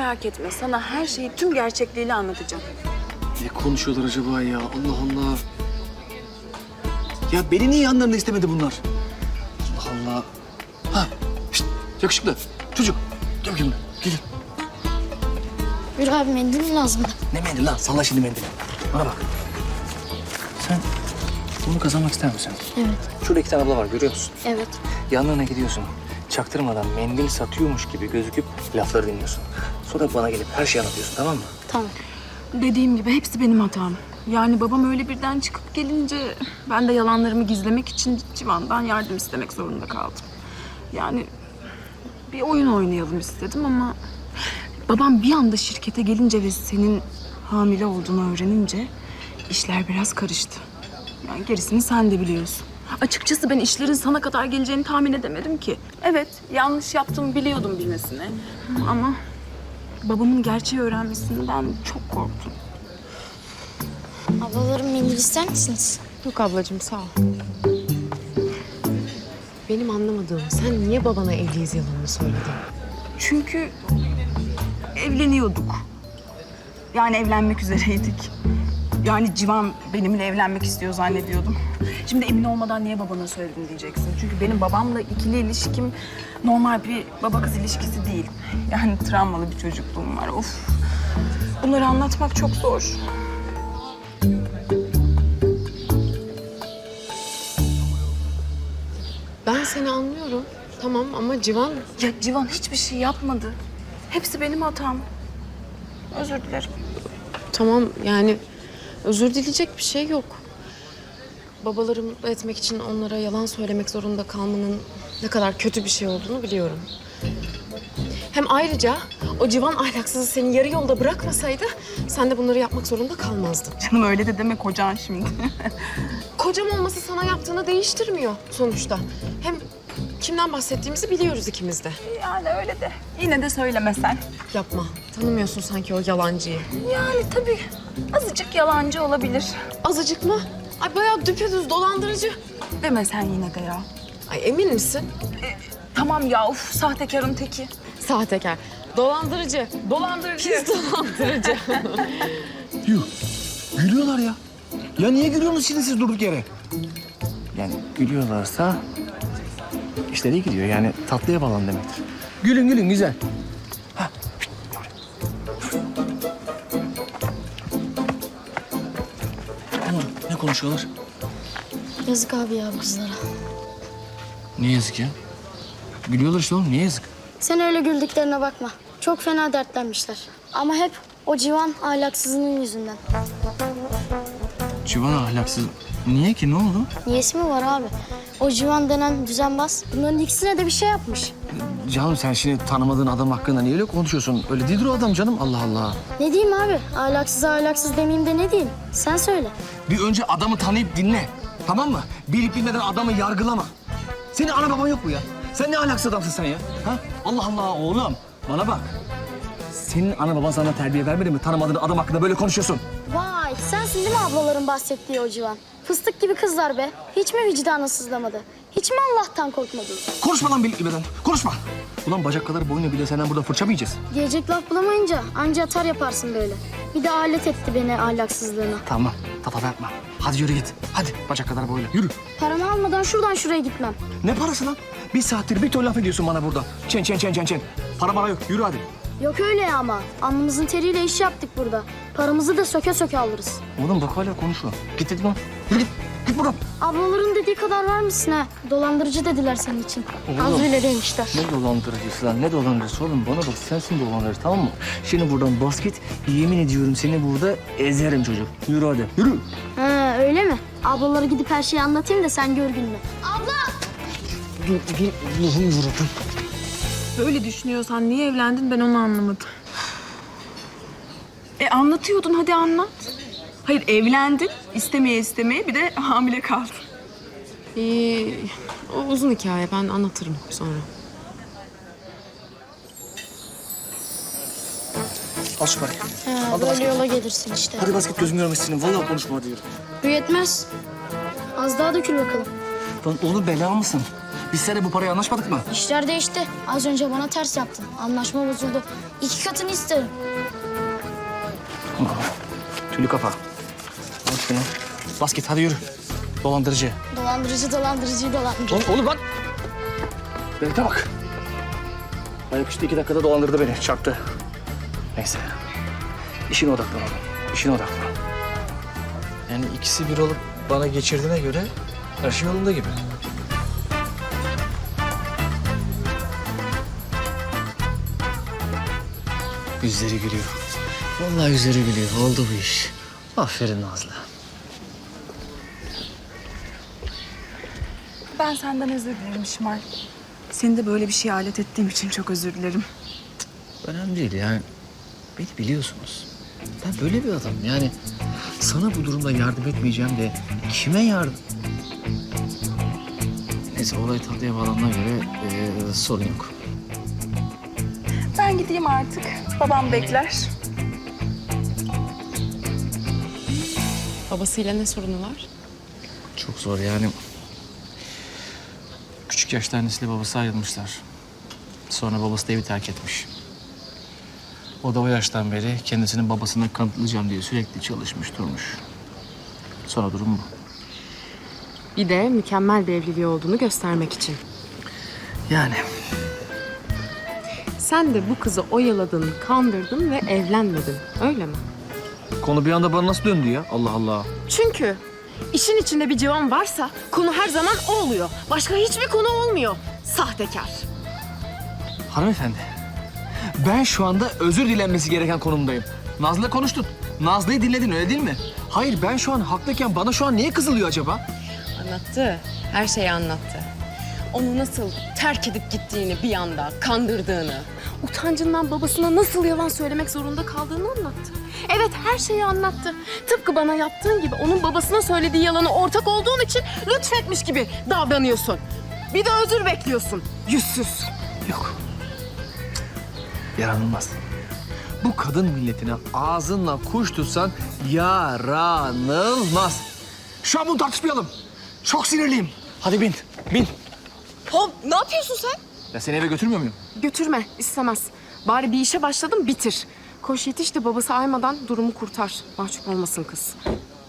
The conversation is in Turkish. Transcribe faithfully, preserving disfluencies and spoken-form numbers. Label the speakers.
Speaker 1: merak etme. Sana her şeyi tüm gerçekliğiyle anlatacağım.
Speaker 2: Ne konuşuyorlar acaba ya? Allah Allah. Ya beni niye yanlarında istemedi bunlar? Allah Allah. Ha, şişt, yakışıklı. Çocuk. Gel bakayım. Gelin.
Speaker 3: Yürü abi, mendil mi lazım?
Speaker 2: Ne mendil lan? Salla şimdi mendili. Bana bak. Sen bunu kazanmak ister misin?
Speaker 3: Evet.
Speaker 2: Şurada iki tane abla var, görüyor musun?
Speaker 3: Evet.
Speaker 2: Yanlarına gidiyorsun. Çaktırmadan mendil satıyormuş gibi gözüküp lafları dinliyorsun. Sonra bana gelip her şeyi anlatıyorsun, tamam mı?
Speaker 3: Tamam.
Speaker 1: Dediğim gibi hepsi benim hatam. Yani babam öyle birden çıkıp gelince ben de yalanlarımı gizlemek için Civan'dan yardım istemek zorunda kaldım. Yani bir oyun oynayalım istedim ama babam bir anda şirkete gelince ve senin hamile olduğunu öğrenince işler biraz karıştı. Yani gerisini sen de biliyorsun. Açıkçası ben işlerin sana kadar geleceğini tahmin edemedim ki. Evet, yanlış yaptığımı biliyordum bilmesine. Ama babamın gerçeği öğrenmesinden çok korktum.
Speaker 3: Ablalarım, mendil ister misiniz?
Speaker 4: Yok ablacığım, sağ ol. Benim anlamadığım, sen niye babana evliyiz yalanını söyledin?
Speaker 1: Çünkü evleniyorduk. Yani evlenmek üzereydik. Yani Civan benimle evlenmek istiyor zannediyordum. Şimdi emin olmadan niye babana söyledin diyeceksin. Çünkü benim babamla ikili ilişkim normal bir baba kız ilişkisi değil. Yani travmalı bir çocukluğum var. Of. Bunları anlatmak çok zor.
Speaker 4: Ben seni anlıyorum. Tamam ama Civan...
Speaker 1: Ya Civan hiçbir şey yapmadı. Hepsi benim hatam. Özür dilerim.
Speaker 4: Tamam yani özür dileyecek bir şey yok. Babaları mutlu etmek için onlara yalan söylemek zorunda kalmanın ne kadar kötü bir şey olduğunu biliyorum. Hem ayrıca o Civan ahlaksızı seni yarı yolda bırakmasaydı sen de bunları yapmak zorunda kalmazdın.
Speaker 1: Canım öyle de deme kocan şimdi.
Speaker 4: Kocam olması sana yaptığını değiştirmiyor sonuçta. Hem kimden bahsettiğimizi biliyoruz ikimiz de.
Speaker 1: Yani öyle de. Yine de söylemesen.
Speaker 4: Yapma. Tanımıyorsun sanki o yalancıyı.
Speaker 1: Yani tabii azıcık yalancı olabilir.
Speaker 4: Azıcık mı? Ay bayağı düpedüz dolandırıcı.
Speaker 1: Deme sen yine de ya.
Speaker 4: Ay emin misin?
Speaker 1: Tamam ya, uf sahtekarın teki.
Speaker 4: Sahtekar. Dolandırıcı. Dolandırıcı. Pis dolandırıcı.
Speaker 2: Yuh. Gülüyorlar ya. Ya niye gülüyorsunuz şimdi siz durduk yere? Yani gülüyorlarsa işleri iyi gidiyor. Yani tatlıya bağlan demektir. Gülün gülün güzel. Ha. Ama ne konuşuyorlar?
Speaker 3: Yazık abi ya bu kızlara.
Speaker 2: Ne yazık ya? Gülüyorlar işte oğlum. Niye yazık?
Speaker 3: Sen öyle güldüklerine bakma. Çok fena dertlenmişler. Ama hep o Civan ahlaksızının yüzünden.
Speaker 2: Civan ahlaksız. Niye ki? Ne oldu?
Speaker 3: Niyesi mi var abi? O Civan denen düzenbaz bunların ikisine de bir şey yapmış.
Speaker 2: Canım sen şimdi tanımadığın adam hakkında niye öyle konuşuyorsun? Öyle değildir o adam canım. Allah Allah.
Speaker 3: Ne diyeyim abi? Ahlaksız ahlaksız demeyeyim de ne diyeyim? Sen söyle.
Speaker 2: Bir önce adamı tanıyıp dinle. Tamam mı? Bilip bilmeden adamı yargılama. Senin ana baban yok mu ya? Sen ne ahlaksız adamsın sen ya? Ha? Allah Allah oğlum. Bana bak. Senin ana baban sana terbiye vermedi mi? Tanımadığın adam hakkında böyle konuşuyorsun.
Speaker 3: Vay, sensin değil mi ablaların bahsettiği o Civan? Fıstık gibi kızlar be. Hiç mi vicdanı sızlamadı? Hiç mi Allah'tan korkmadın?
Speaker 2: Konuşma lan bilip bilmeden. Konuşma. Ulan bacak kadar boyunu bile senden burada fırça mı yiyeceğiz?
Speaker 3: Diyecek laf bulamayınca anca atar yaparsın böyle. Bir de alet etti beni ahlaksızlığına.
Speaker 2: Tamam. Tatava yapma. Hadi yürü git. Hadi bacak kadar boyla. Yürü.
Speaker 3: Paramı almadan şuradan şuraya gitmem.
Speaker 2: Ne parası lan? Bir saattir bir ton laf ediyorsun bana burada. Çen çen çen çen çen. Para bana yok. Yürü hadi.
Speaker 3: Yok öyle ya ama. Alnımızın teriyle iş yaptık burada. Paramızı da söke söke alırız.
Speaker 2: Oğlum bak hala konuşuyor. Git dedim lan. Yürü git. Git buradan.
Speaker 3: Ablaların dediği kadar var mısın ha? Dolandırıcı dediler senin için.
Speaker 2: Oğlum.
Speaker 3: Az bile demişler.
Speaker 2: Ne dolandırıcısı lan? Ne dolandırıcısı oğlum? Bana bak sensin dolandırıcı tamam mı? Şimdi buradan bas git. Yemin ediyorum seni burada ezerim çocuk. Yürü hadi. Yürü.
Speaker 3: Ha öyle mi? Ablalara gidip her şeyi anlatayım da sen gör gününü. Abla!
Speaker 2: Dur dur. Allah'ım yarabbim.
Speaker 1: Böyle düşünüyorsan niye evlendin ben onu anlamadım. E anlatıyordun, hadi anlat. Hayır, evlendin, istemeye istemeye bir de hamile kaldın.
Speaker 4: Ee, o uzun hikaye, ben anlatırım sonra.
Speaker 2: Al şu parayı.
Speaker 3: Ha,
Speaker 2: Al da
Speaker 3: böyle
Speaker 2: basket.
Speaker 3: yola gelirsin işte.
Speaker 2: Hadi basket gözüm görmesin. Vallahi konuşma hadi yürü.
Speaker 3: Bu yetmez. Az daha dökül bakalım.
Speaker 2: Lan oğlum bela mısın? Biz seninle bu parayı anlaşmadık mı?
Speaker 3: İşler değişti. Az önce bana ters yaptın. Anlaşma bozuldu. İki katını isterim.
Speaker 2: Tülü kafa. Al şunu. Bas git hadi yürü. Dolandırıcı.
Speaker 3: Dolandırıcı dolandırıcıyı dolandırıcı.
Speaker 2: Oğlum, oğlum lan. Berat'a bak. Ayaküstü iki dakikada dolandırdı beni. Çarptı. Neyse. İşine odaklan oğlum. İşine odaklan. Yani ikisi bir olup bana geçirdiğine göre her şey yolunda gibi. Yüzleri gülüyor. Vallahi yüzleri gülüyor. Oldu bu iş. Aferin Nazlı.
Speaker 1: Ben senden özür dilerim Şimal. Seni de böyle bir şeye alet ettiğim için çok özür dilerim.
Speaker 2: Önemli değil yani. Beni biliyorsunuz. Ben böyle bir adamım yani. Sana bu durumda yardım etmeyeceğim de kime yardım? Neyse olay tatlıya bağlandığına göre ee, sorun yok.
Speaker 1: Ben gideyim artık. Babam bekler.
Speaker 4: Babasıyla ne sorunu var?
Speaker 2: Çok zor yani. Küçük yaşta annesiyle babası ayrılmışlar. Sonra babası da evi terk etmiş. O da o yaştan beri kendisinin babasına kanıtlayacağım diye sürekli çalışmış durmuş. Sonra durum bu.
Speaker 4: Bir de mükemmel bir evliliği olduğunu göstermek için.
Speaker 2: Yani
Speaker 4: Sen de bu kızı oyaladın, kandırdın ve evlenmedin. Öyle mi?
Speaker 2: konu bir anda bana nasıl döndü ya? Allah Allah.
Speaker 4: Çünkü işin içinde bir civan varsa konu her zaman o oluyor. Başka hiçbir konu olmuyor. Sahtekar.
Speaker 2: Hanımefendi, ben şu anda özür dilenmesi gereken konumdayım. Nazlı'yla konuştun. Nazlı'yı dinledin öyle değil mi? Hayır ben şu an haklıyken bana şu an niye kızılıyor acaba?
Speaker 4: Anlattı. Her şeyi anlattı. Onu nasıl terk edip gittiğini bir anda, kandırdığını, utancından babasına nasıl yalan söylemek zorunda kaldığını anlattı. Evet, her şeyi anlattı. Tıpkı bana yaptığın gibi onun babasına söylediği yalana ortak olduğun için lütfetmiş gibi davranıyorsun. Bir de özür bekliyorsun. Yüzsüz.
Speaker 2: Yok. Yaranılmaz. Bu kadın milletine ağzınla kuş tutsan yaranılmaz. Şu an bunu tartışmayalım. Çok sinirliyim. Hadi bin, bin.
Speaker 4: Hop, ne yapıyorsun sen?
Speaker 2: Ya seni eve götürmüyor muyum?
Speaker 4: Götürme, istemez. Bari bir işe başladım, bitir. Koş yetiş de babası aymadan durumu kurtar. Mahcup olmasın kız.